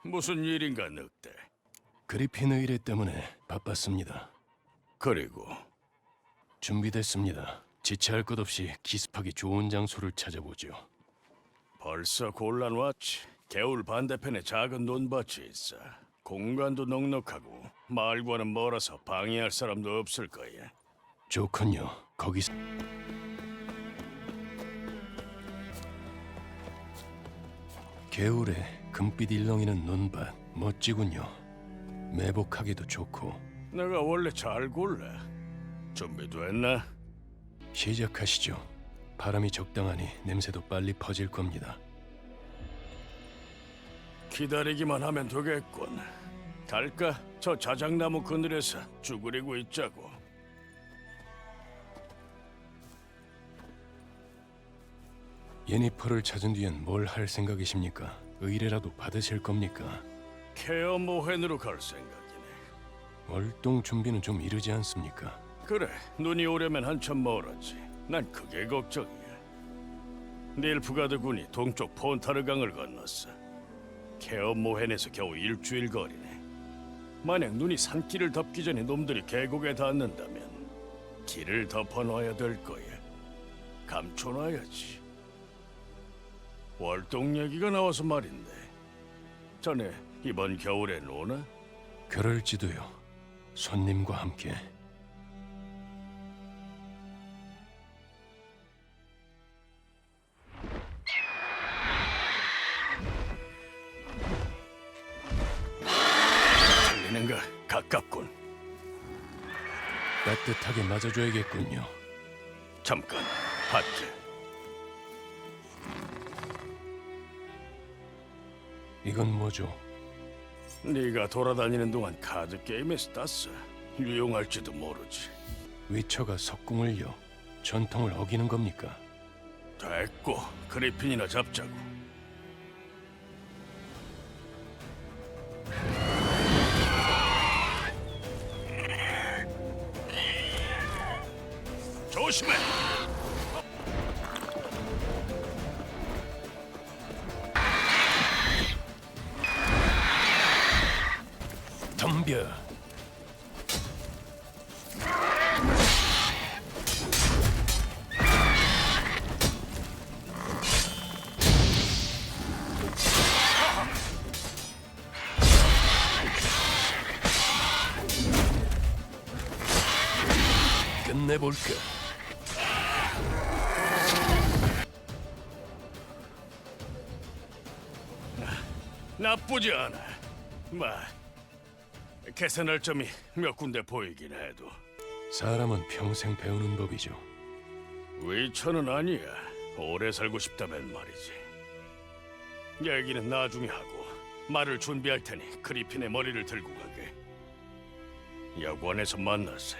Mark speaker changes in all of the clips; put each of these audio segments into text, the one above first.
Speaker 1: 무슨 일인가 늑대?
Speaker 2: 그리핀 의뢰 때문에 바빴습니다.
Speaker 1: 그리고
Speaker 2: 준비됐습니다. 지체할 것 없이 기습하기 좋은 장소를 찾아보죠.
Speaker 1: 벌써 곤란 왔지. 개울 반대편에 작은 논밭이 있어. 공간도 넉넉하고 마을과는 멀어서 방해할 사람도 없을 거야.
Speaker 2: 좋군요. 거기 개울에 금빛 일렁이는 논밭 멋지군요. 매복하기도 좋고.
Speaker 1: 내가 원래 잘 골라. 준비됐나?
Speaker 2: 시작하시죠. 바람이 적당하니 냄새도 빨리 퍼질 겁니다.
Speaker 1: 기다리기만 하면 되겠군. 갈까? 저 자작나무 그늘에서 쭈그리고 있자고.
Speaker 2: 예니퍼를 찾은 뒤엔 뭘 할 생각이십니까? 의뢰라도 받으실 겁니까?
Speaker 1: 케어 모헨으로 갈 생각이네.
Speaker 2: 월동 준비는 좀 이르지 않습니까?
Speaker 1: 그래, 눈이 오려면 한참 멀었지. 난 그게 걱정이야. 닐프가드 군이 동쪽 폰타르강을 건넜어. 케어 모헨에서 겨우 일주일 거리네. 만약 눈이 산길을 덮기 전에 놈들이 계곡에 닿는다면 길을 덮어놔야 될 거야. 감춰놔야지. 월동 얘기가 나와서 말인데, 자네 이번 겨울에 노나?
Speaker 2: 그럴지도요. 손님과 함께.
Speaker 1: 들리는가? 가깝군.
Speaker 2: 따뜻하게 맞아줘야겠군요.
Speaker 1: 잠깐, 하트.
Speaker 2: 이건 뭐죠?
Speaker 1: 네가 돌아다니는 동안 카드 게임에서 땄어. 유용할지도 모르지.
Speaker 2: 위처가 석궁을요. 전통을 어기는 겁니까?
Speaker 1: 됐고, 그리핀이나 잡자고. 조심해!
Speaker 2: 덤벼. 끝내볼까?
Speaker 1: 나쁘지 않아. 개선할 점이 몇 군데 보이긴 해도
Speaker 2: 사람은 평생 배우는 법이죠.
Speaker 1: 위쳐는 아니야. 오래 살고 싶다면 말이지. 얘기는 나중에 하고 말을 준비할 테니 그리핀의 머리를 들고 가게. 여관에서 만나세.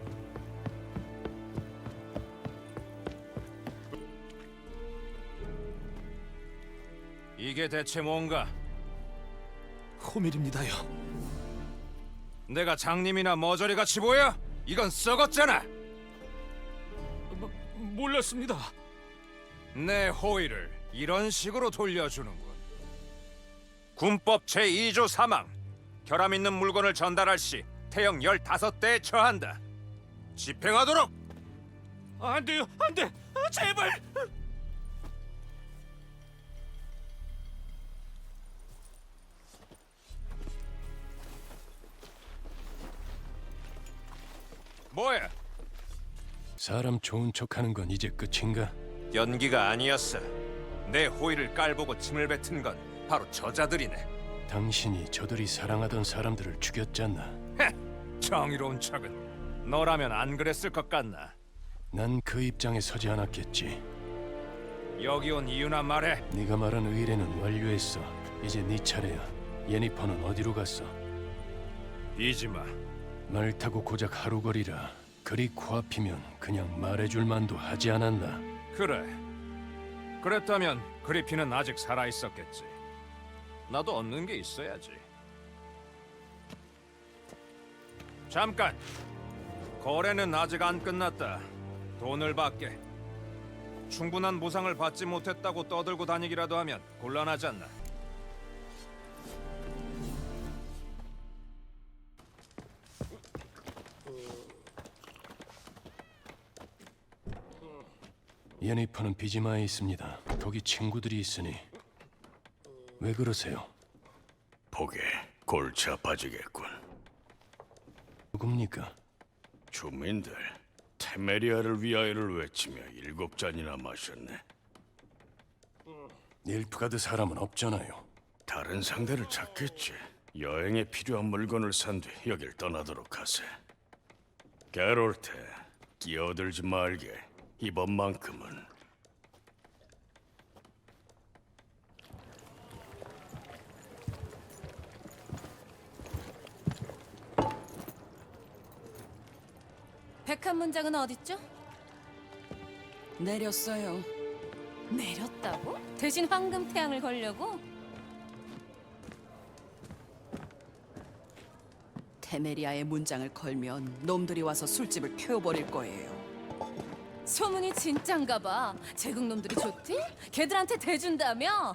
Speaker 3: 이게 대체 뭔가?
Speaker 4: 호밀입니다요.
Speaker 3: 내가 장님이나 머저리 같이 보여? 이건 썩었잖아.
Speaker 4: 몰랐습니다.
Speaker 3: 내 호의를 이런 식으로 돌려주는군. 군법 제2조 사망. 결함 있는 물건을 전달할 시 태형 15대에 처한다. 집행하도록.
Speaker 4: 안 돼요, 안 돼, 제발.
Speaker 3: 뭐야?
Speaker 2: 사람 좋은 척하는 건 이제 끝인가?
Speaker 3: 연기가 아니었어. 내 호의를 깔보고 침을 뱉은 건 바로 저자들이네.
Speaker 2: 당신이 저들이 사랑하던 사람들을 죽였잖아.
Speaker 3: 헤, 정의로운 척은. 너라면 안 그랬을 것 같나?
Speaker 2: 난 그 입장에 서지 않았겠지.
Speaker 3: 여기 온 이유나 말해.
Speaker 2: 네가 말한 의뢰는 완료했어. 이제 네 차례야. 예니퍼는 어디로 갔어?
Speaker 3: 이지마.
Speaker 2: 말 타고 고작 하루 거리라. 그리 코앞이면 그냥 말해줄 만도 하지 않았나?
Speaker 3: 그래. 그랬다면 그리핀은 아직 살아 있었겠지. 나도 얻는 게 있어야지. 잠깐. 거래는 아직 안 끝났다. 돈을 받게. 충분한 보상을 받지 못했다고 떠들고 다니기라도 하면 곤란하지 않나?
Speaker 2: 예니퍼는 비지마에 있습니다. 거기 친구들이 있으니. 왜 그러세요?
Speaker 1: 보게 골치 아파지겠군.
Speaker 2: 누굽니까?
Speaker 1: 주민들 테메리아를 위하여를 외치며 7잔이나 마셨네.
Speaker 2: 닐프가드 사람은 없잖아요.
Speaker 1: 다른 상대를 찾겠지. 여행에 필요한 물건을 산 뒤 여길 떠나도록 하세. 게롤트, 끼어들지 말게. 이번만큼은.
Speaker 5: 백한 문장은 어딨죠?
Speaker 6: 내렸어요.
Speaker 5: 내렸다고? 대신 황금 태양을 걸려고?
Speaker 6: 테메리아의 문장을 걸면 놈들이 와서 술집을 태워버릴 거예요.
Speaker 5: 소문이 진짠가 봐. 제국 놈들이 좋디? 걔들한테 대준다며?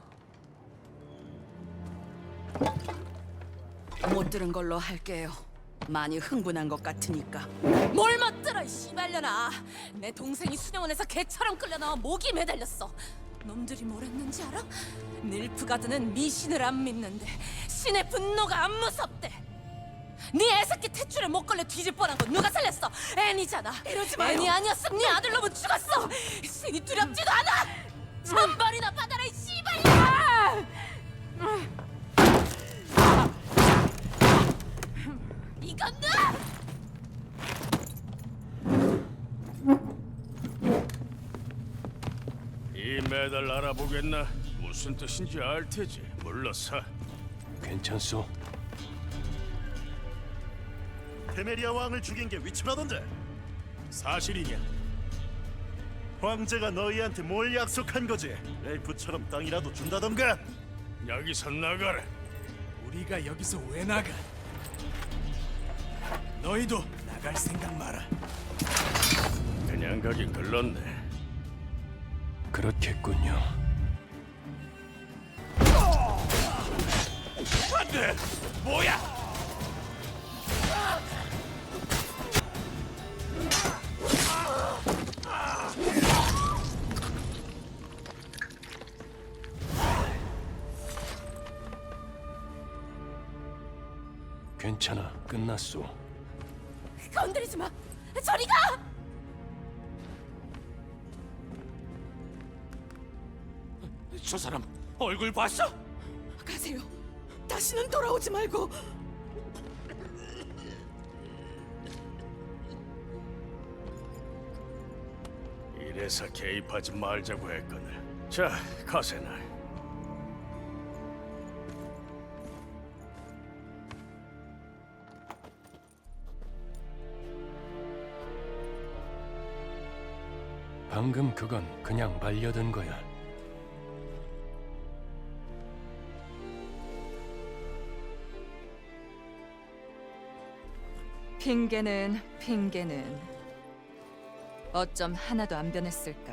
Speaker 6: 못 들은 걸로 할게요. 많이 흥분한 것 같으니까.
Speaker 5: 뭘 멋들어 이 씨발려나. 내 동생이 수녀원에서 개처럼 끌려나와 목이 매달렸어. 놈들이 뭘 했는지 알아? 닐프가드는 미신을 안 믿는데 신의 분노가 안 무섭대. 네 애새끼 태출에 못 걸려 뒤질 뻔한 건 누가 살렸어? 애니잖아.
Speaker 6: 이러지 마요.
Speaker 5: 애니 아니었으면 네 아들놈은 죽었어. 신이 두렵지도 않아. 천벌이나 받아라 이 씨발야. 이건 나!
Speaker 1: 이 메달 알아보겠나? 무슨 뜻인지 알 테지. 물러서.
Speaker 2: 괜찮소?
Speaker 7: 테메리아 왕을 죽인 게 위치라던데 사실이냐? 황제가 너희한테 뭘 약속한 거지? 엘프처럼 땅이라도 준다던가?
Speaker 1: 여기서 나가라.
Speaker 4: 우리가 여기서 왜 나가? 너희도 나갈 생각 마라.
Speaker 1: 그냥 가긴 글렀네.
Speaker 2: 그렇겠군요.
Speaker 4: 안돼! 뭐야?
Speaker 2: 괜찮아, 끝났소.
Speaker 5: 건드리지 마. 저리 가.
Speaker 4: 저 사람 얼굴 봤어?
Speaker 6: 가세요. 다시는 돌아오지 말고.
Speaker 1: 이래서 개입하지 말자고 했거늘. 자, 가세나.
Speaker 2: 방금 그건 그냥 말려든 거야.
Speaker 8: 핑계는 어쩜 하나도 안 변했을까?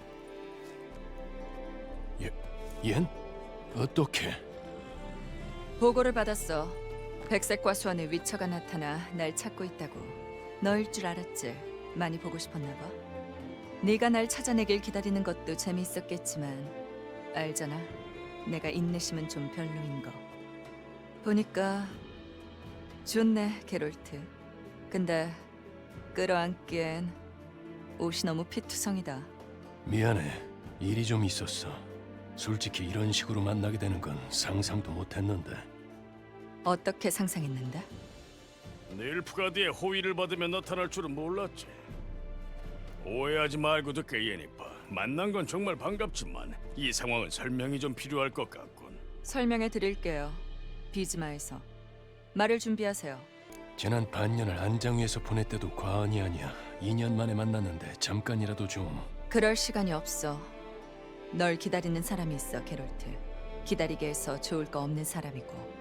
Speaker 2: 얜? 어떻게?
Speaker 8: 보고를 받았어. 백색과 수원의 위처가 나타나 날 찾고 있다고. 너일 줄 알았지. 많이 보고 싶었나 봐. 네가 날 찾아내길 기다리는 것도 재미있었겠지만 알잖아. 내가 인내심은 좀 별로인 거. 보니까 좋네, 게롤트. 근데 끌어안기엔 옷이 너무 피투성이다.
Speaker 2: 미안해. 일이 좀 있었어. 솔직히 이런 식으로 만나게 되는 건 상상도 못했는데.
Speaker 8: 어떻게 상상했는데?
Speaker 1: 닐프가드의 호의를 받으며 나타날 줄은 몰랐지. 오해하지 말고 듣게, 예니파. 만난 건 정말 반갑지만 이 상황은 설명이 좀 필요할 것 같군.
Speaker 8: 설명해 드릴게요. 비즈마에서. 말을 준비하세요.
Speaker 2: 지난 반년을 안장 위에서 보냈대도 과언이 아니야. 2년 만에 만났는데 잠깐이라도 좀...
Speaker 8: 그럴 시간이 없어. 널 기다리는 사람이 있어, 게롤트. 기다리게 해서 좋을 거 없는 사람이고.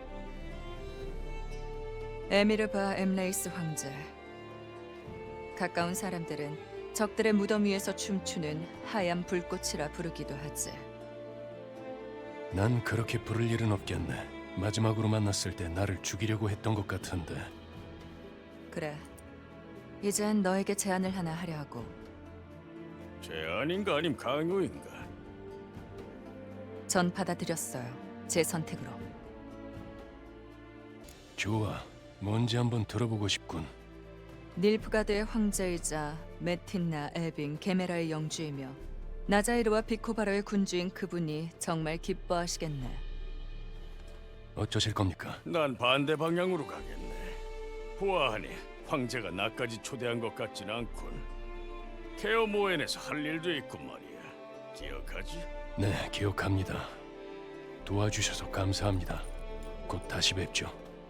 Speaker 8: 에미르바 엠레이스 황제. 가까운 사람들은 적들의 무덤 위에서 춤추는 하얀 불꽃이라 부르기도 하지.
Speaker 2: 난 그렇게 부를 일은 없겠네. 마지막으로 만났을 때 나를 죽이려고 했던 것 같은데.
Speaker 8: 그래. 이젠 너에게 제안을 하나 하려 하고.
Speaker 1: 제안인가 아님 강요인가?
Speaker 8: 전 받아들였어요. 제 선택으로.
Speaker 2: 좋아. 뭔지 한번 들어보고 싶군.
Speaker 8: 닐프가드의 황제이자 메틴나, 에빙, 게메라의 영주이며 나자이르와 비코바로의 군주인 그분이 정말 기뻐하시겠네.
Speaker 2: 어쩌실 겁니까?
Speaker 1: 난 반대 방향으로 가겠네. 보아하니 황제가 나까지 초대한 것 같진 않군. 케어 모엔에서 할 일도 있고 말이야. 기억하지?
Speaker 2: 네, 기억합니다. 도와주셔서 감사합니다. 곧 다시 뵙죠.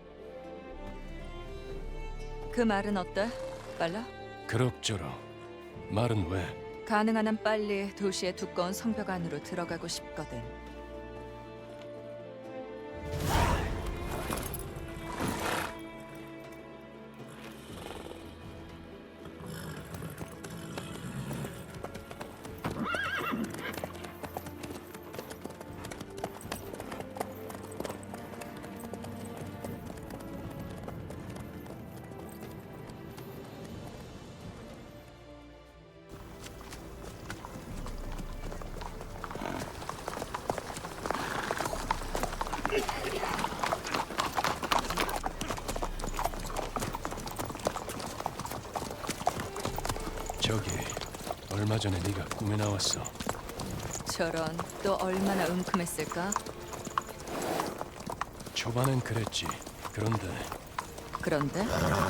Speaker 8: 그 말은 어때? 빨라?
Speaker 2: 그럭저럭. 말은 왜?
Speaker 8: 가능한 한 빨리 도시의 두꺼운 성벽 안으로 들어가고 싶거든.
Speaker 2: 저기 얼마 전에 네가 꿈에 나왔어.
Speaker 8: 저런, 또 얼마나 은큼했을까?
Speaker 2: 초반엔 그랬지. 그런데
Speaker 8: 그런데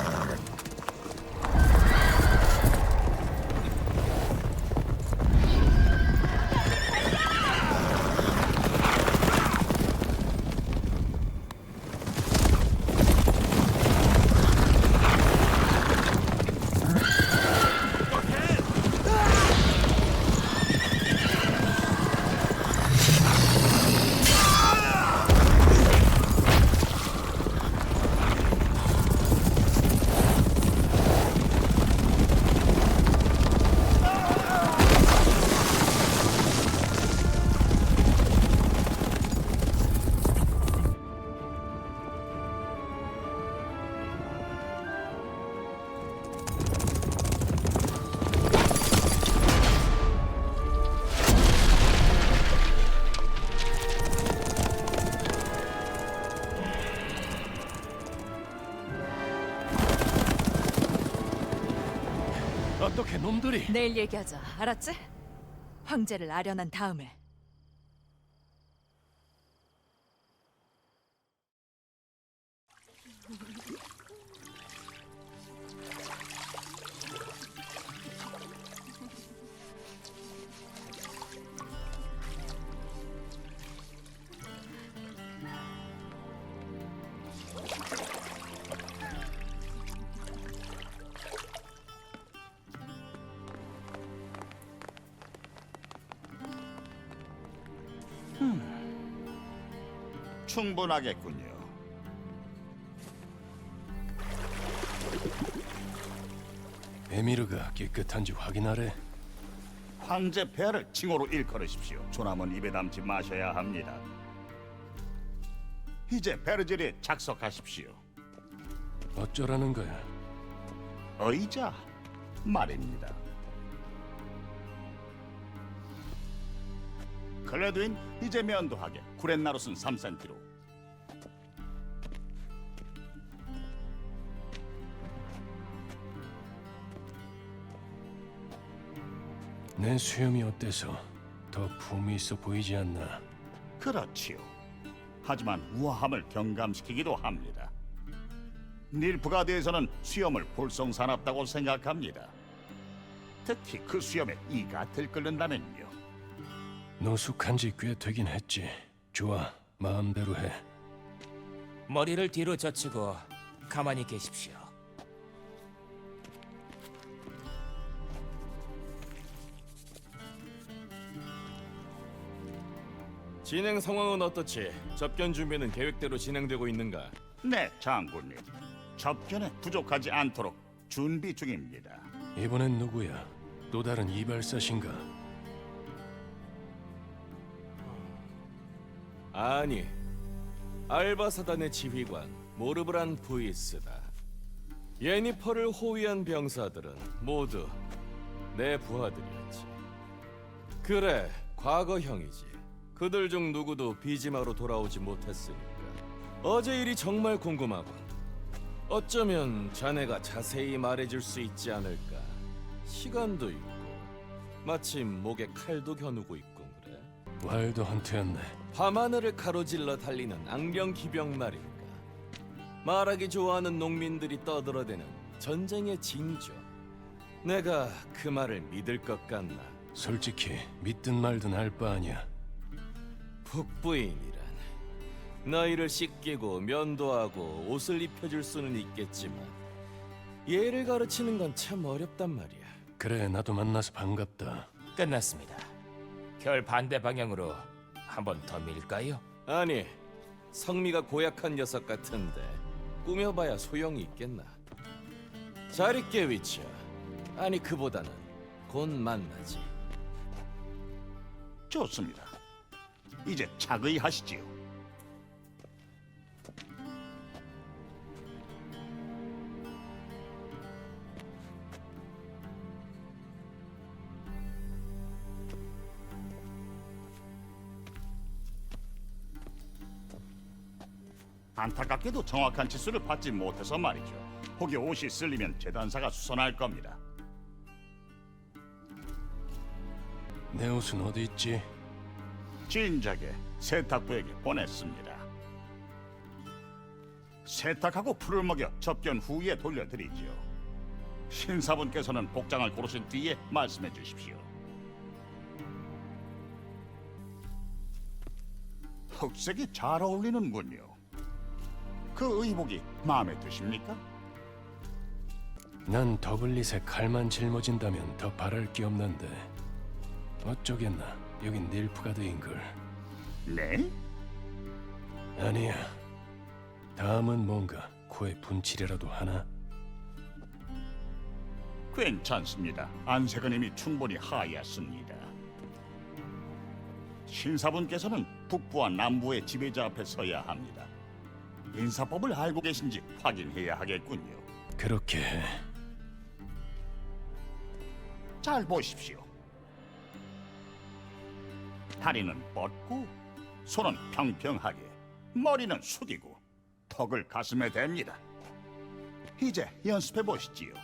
Speaker 2: 어떻게 놈들이?
Speaker 8: 내일 얘기하자. 알았지? 황제를 아련한 다음에.
Speaker 7: 충분하겠군요.
Speaker 2: 에미르가 깨끗한지 확인하래.
Speaker 7: 황제 폐하를 칭호로 일컬으십시오. 조남은 입에 담지 마셔야 합니다. 이제 베르젤에 착석하십시오.
Speaker 2: 어쩌라는 거야?
Speaker 7: 의자 말입니다. 클레드인 이제 면도하게. 구렛나룻은 3cm로.
Speaker 2: 내 수염이 어때서 더 품이 있어 보이지 않나?
Speaker 7: 그렇지요. 하지만 우아함을 경감시키기도 합니다. 닐프가드에서는 수염을 볼성사납다고 생각합니다. 특히 그 수염에 이가 들끓는다면요.
Speaker 2: 노숙한 지 꽤 되긴 했지. 좋아, 마음대로 해.
Speaker 9: 머리를 뒤로 젖히고 가만히 계십시오.
Speaker 3: 진행 상황은 어떻지? 접견 준비는 계획대로 진행되고 있는가?
Speaker 7: 네, 장군님. 접견에 부족하지 않도록 준비 중입니다.
Speaker 2: 이번엔 누구야? 또 다른 이발사신가?
Speaker 3: 아니, 알바사단의 지휘관 모르브란 부이스다. 예니퍼를 호위한 병사들은 모두 내 부하들이었지. 그래, 과거형이지. 그들 중 누구도 비지마로 돌아오지 못했으니까. 어제 일이 정말 궁금하군. 어쩌면 자네가 자세히 말해줄 수 있지 않을까. 시간도 있고, 마침 목에 칼도 겨누고 있군 그래.
Speaker 2: 와일드 헌트였네.
Speaker 3: 밤하늘을 가로질러 달리는 악령 기병 말인가. 말하기 좋아하는 농민들이 떠들어대는 전쟁의 징조. 내가 그 말을 믿을 것 같나?
Speaker 2: 솔직히 믿든 말든 알 바 아니야.
Speaker 3: 북부인이란 너희를 씻기고 면도하고 옷을 입혀줄 수는 있겠지만 예를 가르치는 건 참 어렵단 말이야.
Speaker 2: 그래, 나도 만나서 반갑다.
Speaker 9: 끝났습니다. 결 반대 방향으로 한 번 더 밀까요?
Speaker 3: 아니, 성미가 고약한 녀석 같은데 꾸며봐야 소용이 있겠나. 잘 있게 위치야. 아니, 그보다는 곧 만나지.
Speaker 7: 좋습니다. 이제 차거이 하시지요. 안타깝게도 정확한 치수를 받지 못해서 말이죠. 혹여 옷이 쓸리면 재단사가 수선할 겁니다.
Speaker 2: 내 옷은 어디 있지?
Speaker 7: 진작에 세탁부에게 보냈습니다. 세탁하고 풀을 먹여 접견 후에 돌려드리지요. 신사분께서는 복장을 고르신 뒤에 말씀해 주십시오. 흑색이 잘 어울리는군요. 그 의복이 마음에 드십니까?
Speaker 2: 난 더블릿에 칼만 짊어진다면 더 바랄 게 없는데 어쩌겠나. 여긴 닐프가드인걸.
Speaker 7: 네?
Speaker 2: 아니야. 다음은 뭔가 코에 분칠이라도 하나?
Speaker 7: 괜찮습니다. 안색은 이미 충분히 하얗습니다. 신사분께서는 북부와 남부의 지배자 앞에 서야 합니다. 인사법을 알고 계신지 확인해야 하겠군요.
Speaker 2: 그렇게 해.
Speaker 7: 잘 보십시오. 다리는 뻗고 손은 평평하게, 머리는 숙이고, 턱을 가슴에 댑니다. 이제 연습해 보시지요.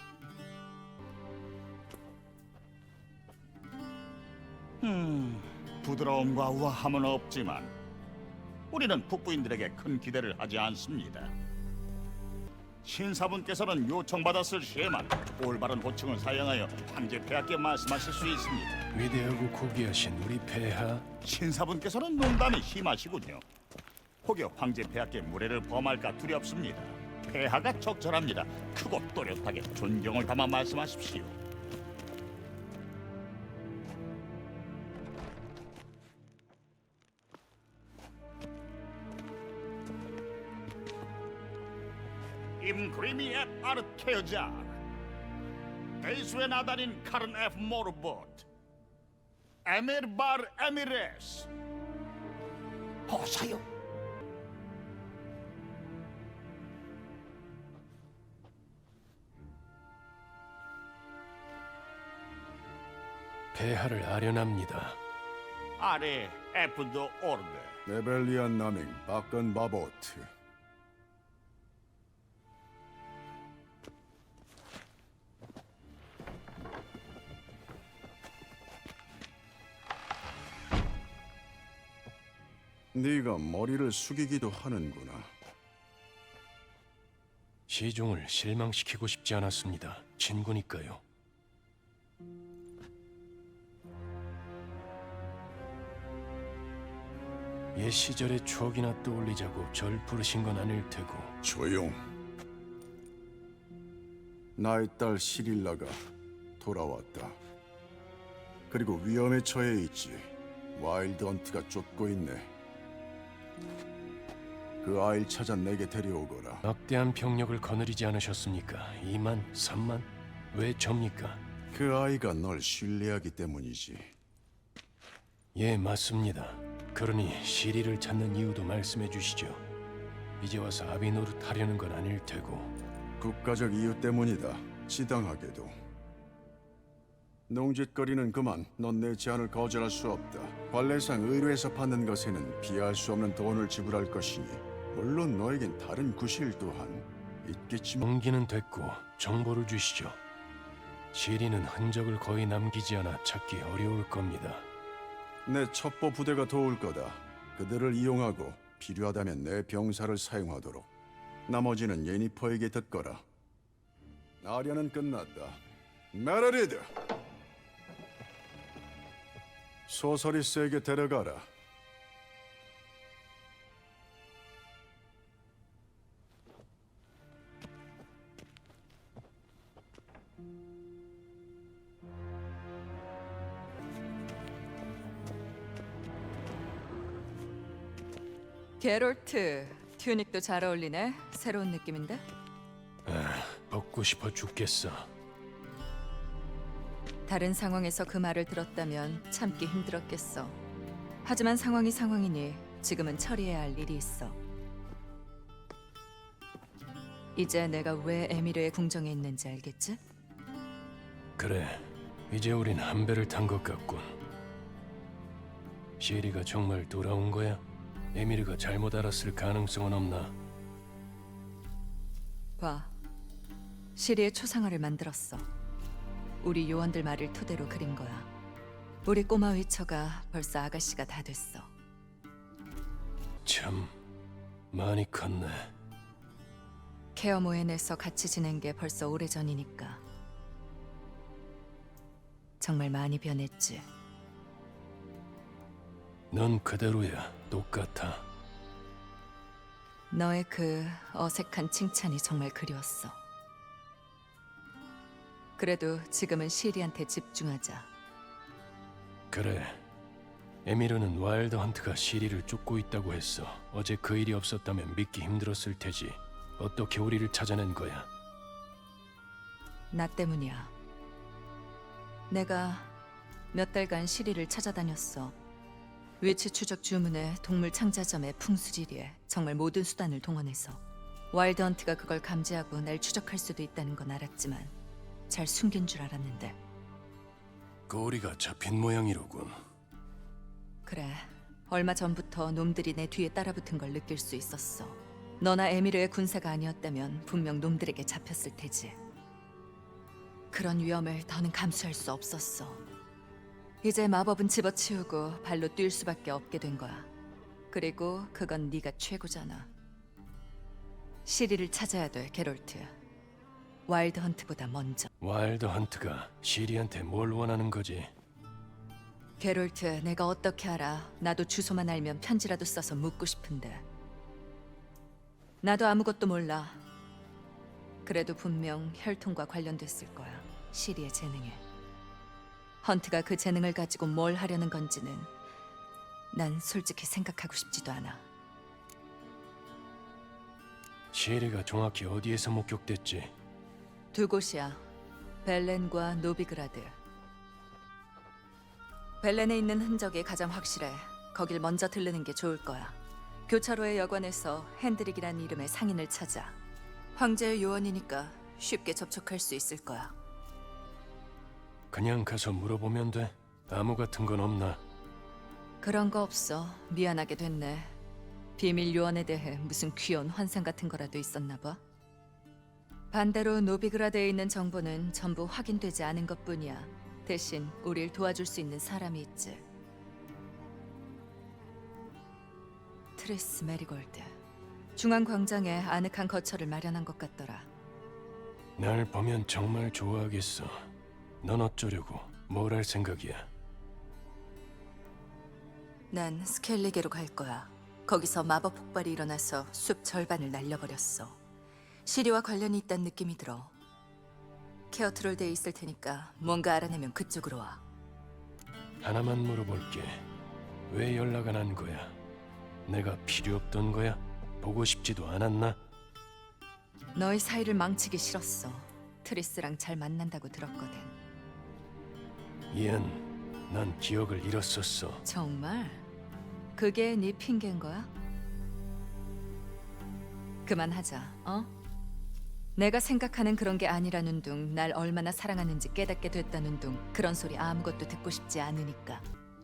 Speaker 7: 부드러움과 우아함은 없지만 우리는 북부인들에게 큰 기대를 하지 않습니다. 신사분께서는 요청받았을 시에만 올바른 호칭을 사용하여 황제 폐하께 말씀하실 수 있습니다.
Speaker 2: 위대하고 고귀하신 우리 폐하.
Speaker 7: 신사분께서는 농담이 심하시군요. 혹여 황제 폐하께 무례를 범할까 두렵습니다. 폐하가 적절합니다. 크고 또렷하게 존경을 담아 말씀하십시오. Im Grimi et Art Keojar Eiswen Adarin Karen F. Morbot Emir Bar Emires 어서요.
Speaker 2: 폐하를 아련합니다.
Speaker 7: 아래 에프도 오르데
Speaker 10: 레벨리안 나밍 바건 바보트. 네가 머리를 숙이기도 하는구나.
Speaker 2: 시종을 실망시키고 싶지 않았습니다. 친구니까요. 옛 시절의 추억이나 떠올리자고 절 부르신 건 아닐 테고.
Speaker 10: 조용. 나의 딸 시릴라가 돌아왔다. 그리고 위험에 처해 있지. 와일드 헌트가 쫓고 있네. 그 아이를 찾아 내게 데려오거라.
Speaker 2: 막대한 병력을 거느리지 않으셨습니까? 2만, 3만? 왜 접니까?
Speaker 10: 그 아이가 널 신뢰하기 때문이지.
Speaker 2: 예, 맞습니다. 그러니 시리를 찾는 이유도 말씀해 주시죠. 이제 와서 아비 노릇하려는 건 아닐 테고.
Speaker 10: 국가적 이유 때문이다. 지당하게도. 농짓거리는 그만. 넌 내 제안을 거절할 수 없다. 관례상 의뢰에서 받는 것에는 비할 수 없는 돈을 지불할 것이니 물론 너에겐 다른 구실 또한 있겠지만
Speaker 2: 용기는 됐고 정보를 주시죠. 시리는 흔적을 거의 남기지 않아 찾기 어려울 겁니다.
Speaker 10: 내 첩보 부대가 도울 거다. 그들을 이용하고 필요하다면 내 병사를 사용하도록. 나머지는 예니퍼에게 듣거라. 아련은 끝났다. 메르리드! 소서리스에게 데려가라.
Speaker 8: 게롤트, 튜닉도 잘 어울리네. 새로운 느낌인데?
Speaker 2: 벗고 싶어 죽겠어.
Speaker 8: 다른 상황에서 그 말을 들었다면 참기 힘들었겠어. 하지만 상황이 상황이니 지금은 처리해야 할 일이 있어. 이제 내가 왜 에미르의 궁정에 있는지 알겠지?
Speaker 2: 그래, 이제 우린 한 배를 탄 것 같군. 시리가 정말 돌아온 거야? 에미르가 잘못 알았을 가능성은 없나?
Speaker 8: 봐. 시리의 초상화를 만들었어. 우리 요원들 말을 토대로 그린 거야. 우리 꼬마 위처가 벌써 아가씨가 다 됐어.
Speaker 2: 참 많이 컸네.
Speaker 8: 케어 모엔에서 같이 지낸 게 벌써 오래전이니까. 정말 많이 변했지.
Speaker 2: 넌 그대로야. 똑같아.
Speaker 8: 너의 그 어색한 칭찬이 정말 그리웠어. 그래도 지금은 시리한테 집중하자.
Speaker 2: 그래. 에미르는 와일드 헌트가 시리를 쫓고 있다고 했어. 어제 그 일이 없었다면 믿기 힘들었을 테지. 어떻게 우리를 찾아낸 거야?
Speaker 8: 나 때문이야. 내가 몇 달간 시리를 찾아다녔어. 위치 추적 주문에 동물 창자점에 풍수지리에 정말 모든 수단을 동원해서 와일드 헌트가 그걸 감지하고 날 추적할 수도 있다는 건 알았지만 잘 숨긴 줄 알았는데.
Speaker 2: 꼬리가 잡힌 모양이로군.
Speaker 8: 그래, 얼마 전부터 놈들이 내 뒤에 따라붙은 걸 느낄 수 있었어. 너나 에미르의 군사가 아니었다면 분명 놈들에게 잡혔을 테지. 그런 위험을 더는 감수할 수 없었어. 이제 마법은 집어치우고 발로 뛸 수밖에 없게 된 거야. 그리고 그건 네가 최고잖아. 시리를 찾아야 돼, 게롤트. 와일드 헌트보다 먼저.
Speaker 2: 와일드 헌트가 시리한테 뭘 원하는 거지?
Speaker 8: 게롤트, 내가 어떻게 알아? 나도 주소만 알면 편지라도 써서 묻고 싶은데. 나도 아무것도 몰라. 그래도 분명 혈통과 관련됐을 거야. 시리의 재능에. 헌트가 그 재능을 가지고 뭘 하려는 건지는 난 솔직히 생각하고 싶지도 않아.
Speaker 2: 시리가 정확히 어디에서 목격됐지?
Speaker 8: 두 곳이야. 벨렌과 노비그라드. 벨렌에 있는 흔적이 가장 확실해. 거길 먼저 들르는 게 좋을 거야. 교차로의 여관에서 핸드릭이란 이름의 상인을 찾아. 황제의 요원이니까 쉽게 접촉할 수 있을 거야.
Speaker 2: 그냥 가서 물어보면 돼? 암호 같은 건 없나?
Speaker 8: 그런 거 없어. 미안하게 됐네. 비밀 요원에 대해 무슨 귀여운 환상 같은 거라도 있었나 봐. 반대로 노비그라드에 있는 정보는 전부 확인되지 않은 것뿐이야. 대신 우릴 도와줄 수 있는 사람이 있지. 트리스 메리골드. 중앙 광장에 아늑한 거처를 마련한 것 같더라.
Speaker 2: 날 보면 정말 좋아하겠어. 넌 어쩌려고? 뭘 할 생각이야?
Speaker 8: 난 스켈리게로 갈 거야. 거기서 마법 폭발이 일어나서 숲 절반을 날려버렸어. 시리와 관련이 있다는 느낌이 들어. 케어트롤드에 있을 테니까 뭔가 알아내면 그쪽으로 와.
Speaker 2: 하나만 물어볼게. 왜 연락 안 한 거야? 내가 필요 없던 거야? 보고 싶지도 않았나?
Speaker 8: 너희 사이를 망치기 싫었어. 트리스랑 잘 만난다고 들었거든.
Speaker 2: 이안, 난 기억을 잃었었어.
Speaker 8: 정말? 그게 네 핑계인 거야? 그만하자, 어? 내가 생각하는 그런 게 아니라는 둥, 날 얼마나 사랑하는지 깨닫게 됐다는 둥, 그런 소리 아무것도 듣고 싶지 않으니까.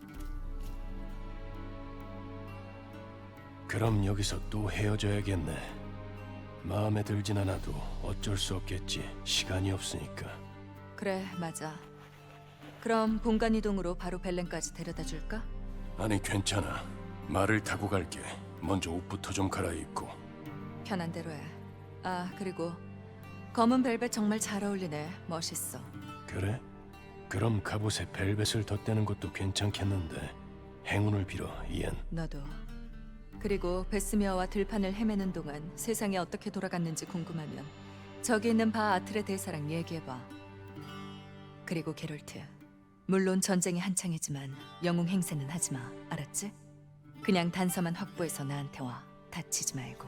Speaker 2: 그럼 여기서 또 헤어져야겠네. 마음에 들진 않아도 어쩔 수 없겠지. 시간이 없으니까.
Speaker 8: 그래, 맞아. 그럼 본관 이동으로 바로 벨렌까지 데려다 줄까?
Speaker 2: 아니 괜찮아. 말을 타고 갈게. 먼저 옷부터 좀 갈아입고.
Speaker 8: 편한 대로 해. 아, 그리고 검은 벨벳 정말 잘 어울리네. 멋있어.
Speaker 2: 그래? 그럼 갑옷에 벨벳을 덧대는 것도 괜찮겠는데. 행운을 빌어, 이엔.
Speaker 8: 너도. 그리고 베스미어와 들판을 헤매는 동안 세상이 어떻게 돌아갔는지 궁금하면 저기 있는 바 아틀의 대사랑 얘기해봐. 그리고 게롤트, 물론 전쟁이 한창이지만 영웅 행세는 하지 마. 알았지? 그냥 단서만 확보해서 나한테 와. 다치지 말고.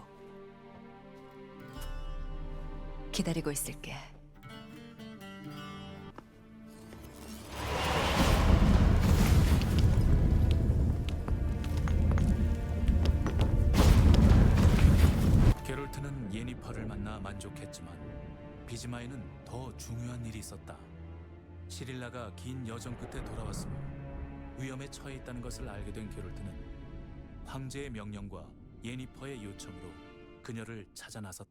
Speaker 8: 기다리고 있을게.
Speaker 4: 게롤트는 예니퍼를 만나 만족했지만 비즈마에는 더 중요한 일이 있었다. 시릴라가 긴 여정 끝에 돌아왔으며 위험에 처해 있다는 것을 알게 된 게롤트는 황제의 명령과 예니퍼의 요청으로 그녀를 찾아 나섰다.